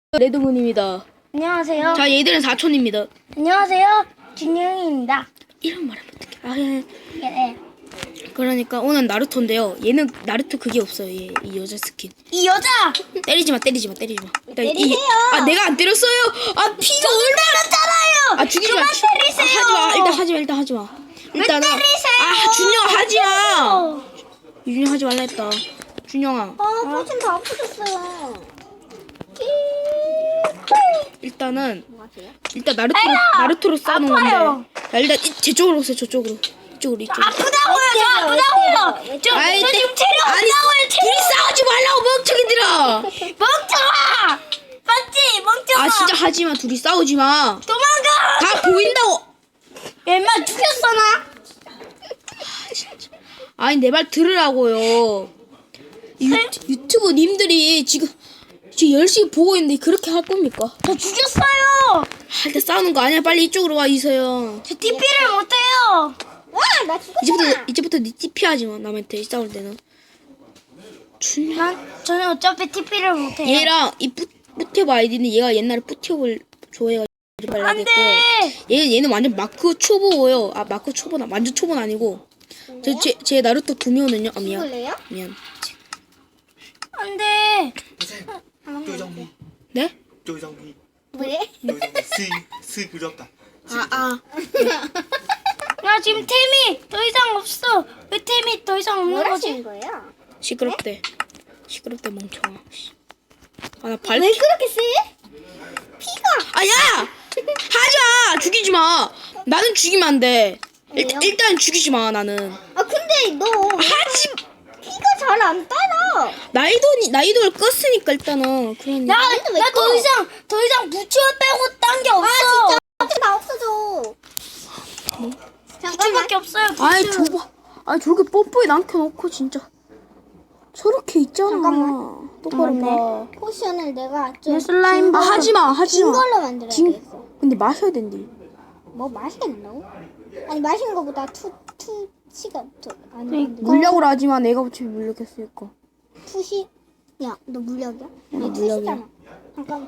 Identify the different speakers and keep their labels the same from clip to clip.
Speaker 1: 레드문입니다.
Speaker 2: 안녕하세요.
Speaker 1: 자, 얘들은 사촌입니다.
Speaker 2: 안녕하세요. 준영입니다.
Speaker 1: 이런 말하면 어떡해. 아, 예.
Speaker 2: 예.
Speaker 1: 그러니까 오늘 나루토인데요. 얘는 나루토 그게 없어요. 얘, 이 여자 스킨.
Speaker 2: 이 여자!
Speaker 1: 때리지 마.
Speaker 2: 때리세요.
Speaker 1: 아, 내가 안 때렸어요. 아, 피가
Speaker 2: 때렸잖아요.
Speaker 1: 아, 죽이지 마.
Speaker 2: 그만 때리세요.
Speaker 1: 일단 하지 마. 일단은
Speaker 2: 때리세요?
Speaker 1: 아, 준영 하지 마. 준영 하지 말라 했다. 준영아.
Speaker 2: 포션 다 없어졌어요.
Speaker 1: 일단은
Speaker 2: 뭐 하세요?
Speaker 1: 일단 나루토로 싸우는
Speaker 2: 아파요.
Speaker 1: 건데. 자, 일단 저쪽으로 오세요. 이쪽으로. 이쪽으로.
Speaker 2: 아프다고요. 저 아프다고요. 저 지금 체력 없다고요.
Speaker 1: 둘이 싸우지 말라고 멍청이들아.
Speaker 2: 멍청아! 맞지? 멍청아!
Speaker 1: 아, 진짜 하지 마. 둘이 싸우지 마.
Speaker 2: 도망가!
Speaker 1: 다 보인다고.
Speaker 2: 얘만 죽였어 나?
Speaker 1: 아니, 내 말 들으라고요. 유튜브 님들이 지금 열심히 보고 있는데 그렇게 할 겁니까?
Speaker 2: 저 죽였어요!
Speaker 1: 일단 싸우는 거 아니야. 빨리 이쪽으로 와, 이서영.
Speaker 2: 저 TP를 못해요! 와! 나 죽었잖아!
Speaker 1: 이제부터 니 TP 하지 마. 남한테 싸울 때는.
Speaker 2: 저는 어차피 TP를 못해요.
Speaker 1: 얘랑 이 뿌티브 아이디는 얘가 옛날에 뿌티브를 좋아해가지고
Speaker 2: 안 돼!
Speaker 1: 얘는 완전 마크 초보예요. 아, 마크 초보나 완전 초보는 아니고. 제 나루토 구미호는요. 아, 미안.
Speaker 2: 죽을래요?
Speaker 1: 미안.
Speaker 2: 안 돼!
Speaker 3: 조정미,
Speaker 1: 네?
Speaker 3: 조정미,
Speaker 2: 왜?
Speaker 3: 스 그렸다.
Speaker 2: 야 지금 템이 더 이상 없어. 왜 템이 더 이상 없는 거지?
Speaker 4: 거예요?
Speaker 1: 시끄럽대. 시끄럽대 멍청아. 아, 나 발.
Speaker 4: 왜 그렇게 세?
Speaker 1: 아, 야! 하자! 죽이지 마! 나는 죽이면 안 돼. 일단 죽이지 마, 나는.
Speaker 4: 아 근데 너
Speaker 1: 하지!
Speaker 4: 피가 잘 안 따라.
Speaker 1: 나이도를 껐으니까, 일단은. 그러니.
Speaker 2: 나 더 이상 부추 빼고 딴 게 없어.
Speaker 4: 다 없어져.
Speaker 2: 부추밖에 없어요. 부추.
Speaker 1: 아이, 줘봐. 아이, 저렇게 뽀뽀에 남겨놓고, 진짜. 저렇게 있잖아.
Speaker 4: 잠깐만.
Speaker 1: 똑바로 봐.
Speaker 4: 포션을 내가 좀
Speaker 2: 내 슬라임
Speaker 1: 아, 하지 마, 하지
Speaker 4: 긴
Speaker 1: 마.
Speaker 4: 걸로 만들어야 되겠어.
Speaker 1: 근데 마셔야 된대.
Speaker 4: 뭐 마셔야 된다고? 아니 마시는 거보다 투시가 더안 되는데.
Speaker 1: 물약으로 하지 마. 내가 어차피 물약했으니까.
Speaker 4: 투시? 야, 너 물약이야? 아니
Speaker 1: 물약이야.
Speaker 4: 투시잖아. 잠깐.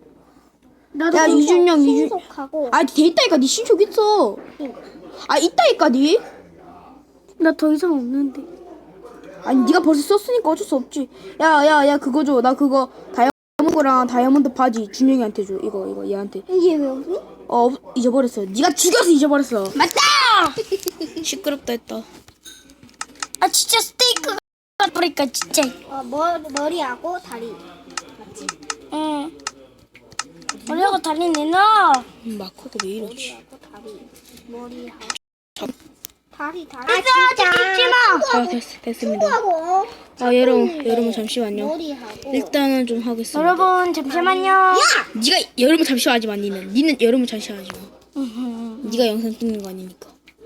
Speaker 1: 야, 이준영.
Speaker 4: 신속하고.
Speaker 1: 아, 돼 있다니까. 니 신속 있어. 아, 있다니까, 니.
Speaker 2: 나 더 이상 없는데.
Speaker 1: 아니, 네가 벌써 썼으니까 어쩔 수 없지. 야, 그거 줘. 나 그거 다이아몬드랑 다이아몬드 바지 준영이한테 줘. 이거 얘한테.
Speaker 4: 이게 왜 없니?
Speaker 1: 잊어버렸어. 네가 죽여서 잊어버렸어.
Speaker 2: 맞다!
Speaker 1: 시끄럽다 했다.
Speaker 2: 아 진짜 스테이크가 버리니까 진짜.
Speaker 4: 머리하고 다리. 맞지?
Speaker 2: 응. 머리하고 다리 내놔.
Speaker 1: 마커가 왜 이러지?
Speaker 4: 머리하고 다리. 머리하고.
Speaker 1: 자.
Speaker 4: 다리.
Speaker 2: 죽지 마.
Speaker 1: 자, 됐습니다.
Speaker 4: 하고
Speaker 1: 아, 여러분 잠시만요.
Speaker 4: 머리하고.
Speaker 1: 일단은 좀 하겠습니다.
Speaker 2: 여러분 잠시만요.
Speaker 1: 네가 여러분 잠시만 하지 마. 니는 여러분 잠시만 하지 마. 네가 영상 찍는 거 아니니까.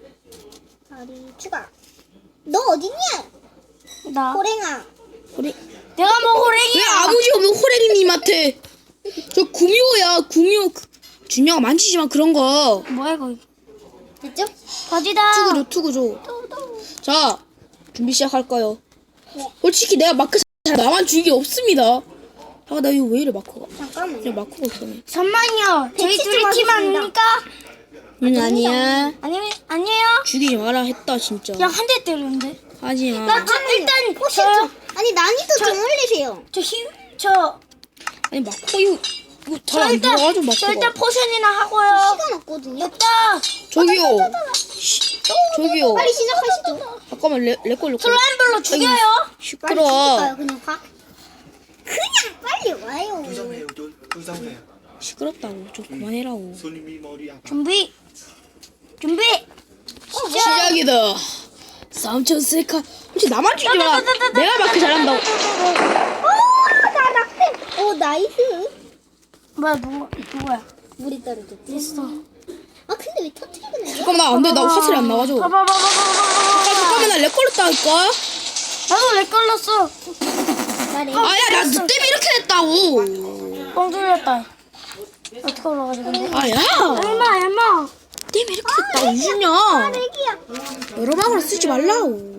Speaker 4: 다리 추가. 너 어딨냐?
Speaker 2: 나.
Speaker 4: 호랭아.
Speaker 2: 내가 뭐
Speaker 1: 왜
Speaker 2: 호랭이야?
Speaker 1: 아버지 없는 호랭이님한테? 저 구미호야. 구미호. 준영아, 만지지 마, 그런 거.
Speaker 2: 뭐야 이거?
Speaker 4: 됐죠?
Speaker 2: 거지다.
Speaker 1: 투구 줘. 자, 준비 시작할까요? 솔직히 내가 마크 잘 나만 주기 없습니다. 아, 나 이거 왜 이래, 마크가.
Speaker 4: 잠깐만요.
Speaker 1: 그냥 마크가 없네.
Speaker 2: 잠만요. 저희
Speaker 4: 백십
Speaker 2: 둘이
Speaker 4: 좀
Speaker 2: 팀
Speaker 4: 하겠습니다.
Speaker 2: 아닙니까?
Speaker 1: 아니야.
Speaker 2: 아니에요?
Speaker 1: 죽이지 마라 했다, 진짜.
Speaker 2: 그냥 한 대 때렸는데.
Speaker 1: 하지 마.
Speaker 2: 일단
Speaker 4: 포션 좀. 아니 난이도 좀 올리세요.
Speaker 2: 저
Speaker 1: 아니, 마크 이거 잘 안 들어가죠,
Speaker 2: 저 일단
Speaker 1: 마크가.
Speaker 2: 포션이나 하고요.
Speaker 4: 시간 없거든요.
Speaker 2: 됐다.
Speaker 1: 저기요. 저기요.
Speaker 4: 빨리 시작하시죠.
Speaker 1: 잠깐만, 내 걸로.
Speaker 2: 슬라임별로 죽여요.
Speaker 4: 빨리
Speaker 1: 시끄러워.
Speaker 4: 시작할까요? 그냥 확. 그냥 빨리 와요.
Speaker 3: 조정해요, 조정해요.
Speaker 1: 시끄럽다고. 좀 그만해라고.
Speaker 3: 손님이 머리 아파.
Speaker 2: 준비.
Speaker 1: 시작이다. 삼촌 셀카. 혹시 나만 주지 마. 내가 마크 잘한다고.
Speaker 4: 나 낙태. 오 나이스.
Speaker 2: 뭐야 누구야?
Speaker 4: 물이 떨어졌지.
Speaker 2: 됐어.
Speaker 4: 아 근데 왜 터트리는 거야?
Speaker 1: 잠깐만, 안 돼. 나 화살이 안 나가죠. 잠깐만, 나 렉 걸렸다니까.
Speaker 2: 나도 렉 걸렸어.
Speaker 1: 아야, 나 너 때문에 이렇게 됐다고.
Speaker 2: 뻥 뚫렸다. 어떻게 올라가지 근데?
Speaker 1: 아야.
Speaker 2: 얼마?
Speaker 1: 때문에 이렇게 됐다고, 유준야.
Speaker 4: 애기야.
Speaker 1: 여러 방으로 쓰지 말라고.